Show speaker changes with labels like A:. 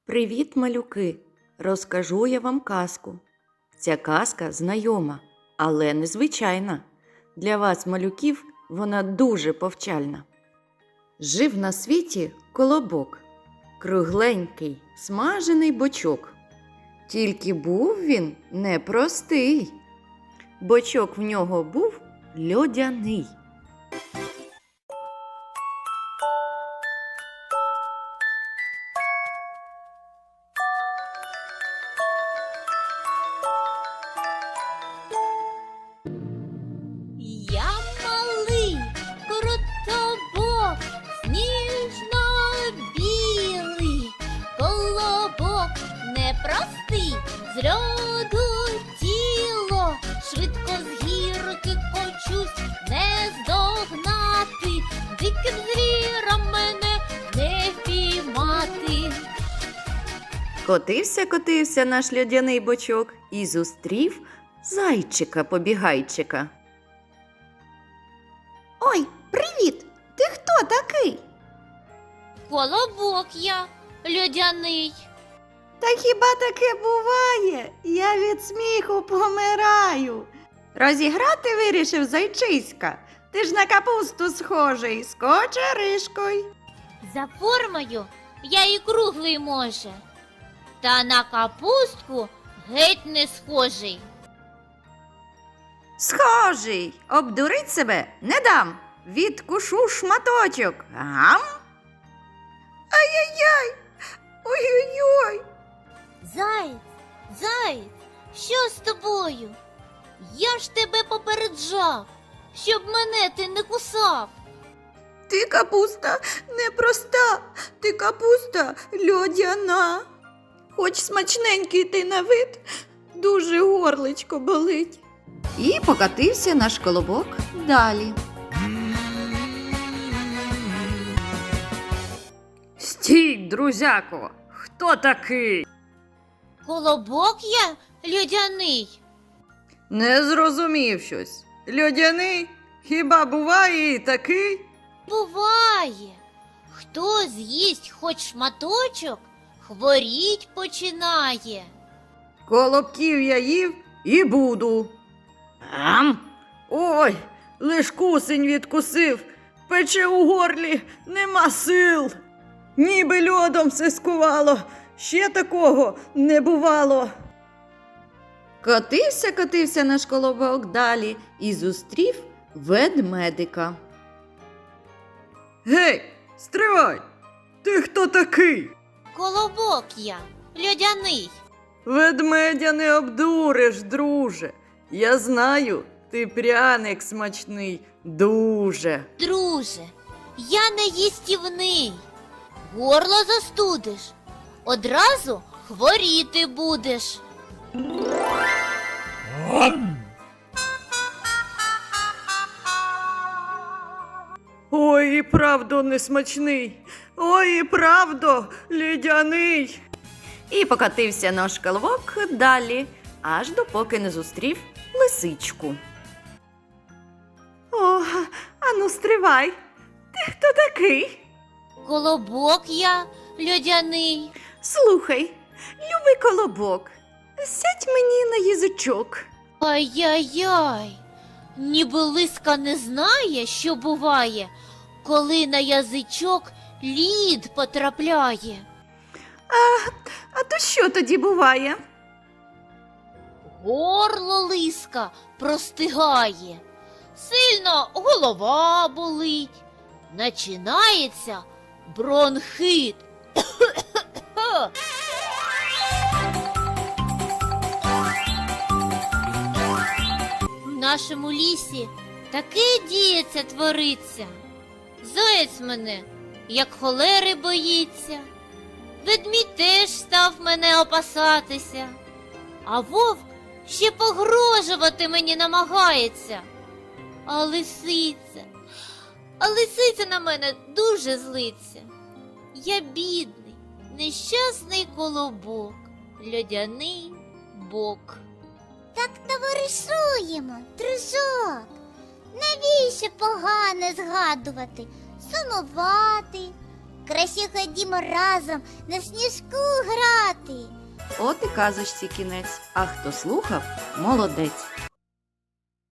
A: Привіт, малюки! Розкажу я вам казку. Ця казка знайома, але незвичайна. Для вас, малюків, вона дуже повчальна. Жив на світі колобок, кругленький, смажений бочок. Тільки був він непростий. Бочок в нього був льодяний.
B: Я малий крутобок, сніжно-білий, колобок непростий, з льоду тіло, швидко з гірки кочусь, не здогнати, диким звіром мене не впіймати.
A: Котився наш льодяний бочок і зустрів зайчика-побігайчика.
C: Ой, привіт! Ти хто такий?
B: Колобок я, льодяний.
C: Та хіба таке буває? Я від сміху помираю. Розіграти вирішив зайчиська. Ти ж на капусту схожий, з кочеришкою.
B: За формою я і круглий може, та на капустку геть не схожий.
C: Схожий, обдурить себе не дам. Відкушу шматочок. Гам? Ай-яй-яй! Ой-ой-ой!
B: Заєць, що з тобою? Я ж тебе попереджав, щоб мене ти не кусав.
C: Ти капуста непроста, ти капуста льодяна. Хоч смачненький ти на вид, дуже горличко болить. І покатився наш колобок далі.
A: Стій, друзяко! Хто такий?
B: Колобок я льодяний.
A: Не зрозумів щось. Льодяний? Хіба буває і такий?
B: Буває, хто з'їсть хоч шматочок, хворіть починає.
A: Колобків я їв і буду. Ой, лиш кусень відкусив, пече у горлі, нема сил. Ніби льодом все скувало, ще такого не бувало. Котився наш колобок далі і зустрів ведмедика. Гей, стривай! Ти хто такий?
B: Колобок я льодяний.
A: Ведмедя не обдуриш, друже. Я знаю, ти пряник смачний дуже.
B: Друже, я не їстівний. Горло застудиш, одразу хворіти будеш.
A: Ой, і правда не смачний. Ой, і правда лідяний. І покатився наш колобок далі, аж допоки не зустрів лисичку.
C: О, ану стривай. Ти хто такий?
B: Колобок я льодяний.
C: Слухай, любий колобок, сядь мені на язичок.
B: Ай-яй-яй, ніби лиска не знає, що буває, коли на язичок лід потрапляє.
C: А то що тоді буває?
B: Горло лиска простигає, сильно голова болить, начинається бронхит. В нашому лісі таке діється твориться. Заєць мене, як холери боїться, ведмідь теж став мене опасатися, а вовк ще погрожувати мені намагається. А лисиця на мене дуже злиться. Я бідний, нещасний колобок, льодяний бок.
D: Так товаришуємо, дружок. Навіщо погане згадувати, сумувати? Краще ходімо разом на сніжку грати.
A: От і казочці кінець. А хто слухав, молодець.